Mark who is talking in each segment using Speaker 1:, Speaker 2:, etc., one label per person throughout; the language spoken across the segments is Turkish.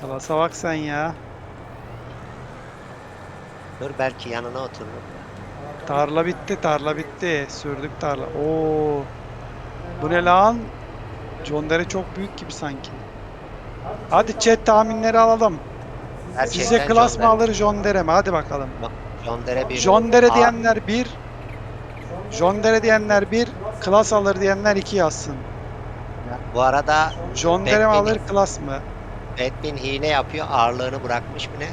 Speaker 1: Klasa bak sen ya.
Speaker 2: Dur belki yanına otururum.
Speaker 1: Tarla bitti, tarla bitti. Sürdük tarla. Oo, bu ne lan? John Deere çok büyük gibi sanki. Hadi chat tahminleri alalım. Sizce
Speaker 2: Gerçekten
Speaker 1: Klas mı alır John Deere mi? Hadi bakalım.
Speaker 2: John Deere bir
Speaker 1: John Deere
Speaker 2: A,
Speaker 1: diyenler bir, John Deere diyenler bir, Klas alır diyenler 2 yazsın.
Speaker 2: bu arada
Speaker 1: John Deere mi
Speaker 2: Batman,
Speaker 1: alır, Klas mı?
Speaker 2: Batman hile yapıyor. Ağırlığını bırakmış mı ne?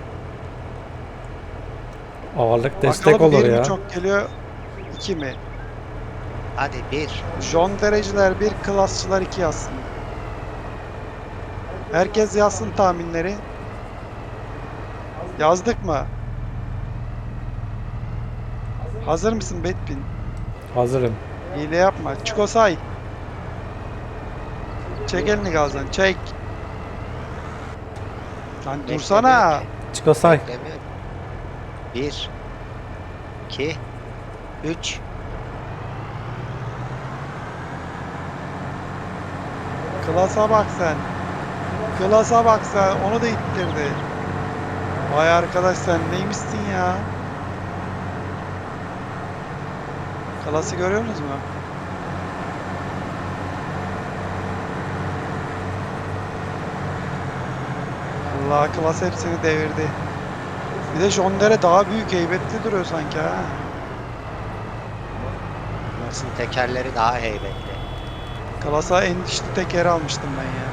Speaker 3: Ağırlık destek
Speaker 1: Bakalım
Speaker 3: olur
Speaker 1: bir mi
Speaker 3: ya.
Speaker 1: çok geliyor, 2 mi?
Speaker 2: Hadi bir.
Speaker 1: John Deere'ciler bir, Klasçılar 2 yazsın. Herkes yazsın tahminleri. Yazdık mı? Hazır mısın Betpin?
Speaker 3: Hazırım.
Speaker 1: Hile yapma. Çiko say. Çek elini gazdan. Çek. Lan
Speaker 2: Beklemiyor
Speaker 1: dursana.
Speaker 2: ki.
Speaker 3: Çıko say.
Speaker 2: Beklemiyor. Bir, iki, üç.
Speaker 1: Klasa bak sen. Klasa bak sen. Onu da ittirdi. Vay arkadaş sen neymişsin ya? Klası görüyorsunuz mu? Allah klas hepsini devirdi. Bir de John Deere daha büyük heybetli duruyor sanki ha.
Speaker 2: Nasıl tekerleri daha heybetli.
Speaker 1: Klasa en dişli tekeri almıştım ben ya.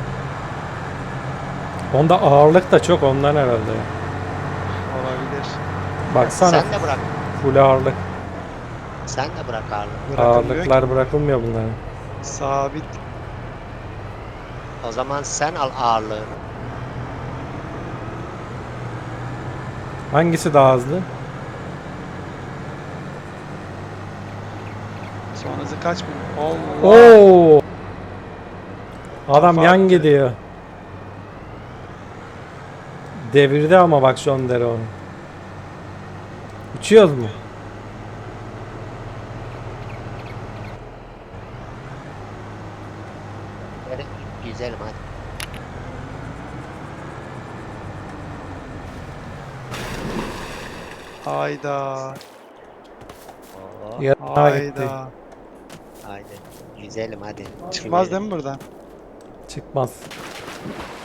Speaker 3: Onda ağırlık da çok ondan herhalde.
Speaker 1: Olabilir.
Speaker 3: Baksana
Speaker 2: Sen de bırak.
Speaker 3: full ağırlık.
Speaker 2: Sen de bırak ağırlığı.
Speaker 1: Bırakılmıyor ki.
Speaker 3: Ağırlıklar bırakılmıyor bunların.
Speaker 1: Sabit.
Speaker 2: O zaman sen al ağırlığını.
Speaker 3: Hangisi daha hızlı?
Speaker 1: Son hızı kaç bin? Allah.
Speaker 3: Oo! Adam
Speaker 1: Kafa
Speaker 3: yan
Speaker 1: attı.
Speaker 3: gidiyor. Devirdi ama bak John Deere onu. Uçuyoruz mu?
Speaker 2: Güzelim hadi.
Speaker 1: Hayda.
Speaker 2: Oo,
Speaker 3: Yarına gitti.
Speaker 1: Hayda.
Speaker 2: haydi. Güzelim hadi.
Speaker 1: Çıkmaz değil mi buradan?
Speaker 3: Çıkmaz.